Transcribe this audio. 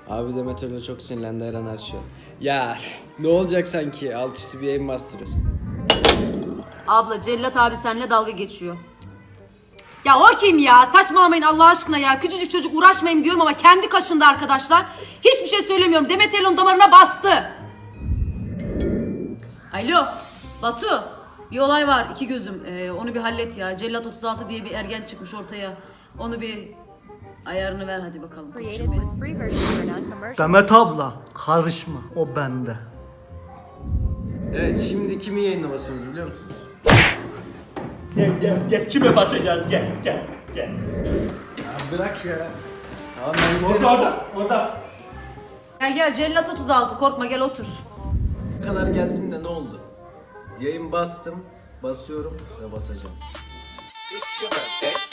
Abi Demet öyle çok sinirlendi, her an açıyor. Ya ne olacak sanki, alt üstü bir yayın bastırıyorsun. Abla Cellat abi seninle dalga geçiyor. Ya o kim ya? Saçmalamayın Allah aşkına ya. Küçücük çocuk, uğraşmayayım diyorum ama kendi kaşında arkadaşlar. Hiçbir şey söylemiyorum. Demet Elon damarına bastı. Alo Batu. Bir olay var, iki gözüm. Onu bir hallet ya. Cellat 36 diye bir ergen çıkmış ortaya. Onu bir ayarını ver hadi bakalım. koçum benim. Demet abla karışma, o bende. Evet, şimdi kimi yayına basıyoruz biliyor musunuz? Gel kime basacağız gel. Ya bırak ya. Tamam ben Orada. Gel Cellat 36 korkma gel otur. ne kadar geldim de ne oldu? Yayın bastım, basıyorum ve basacağım.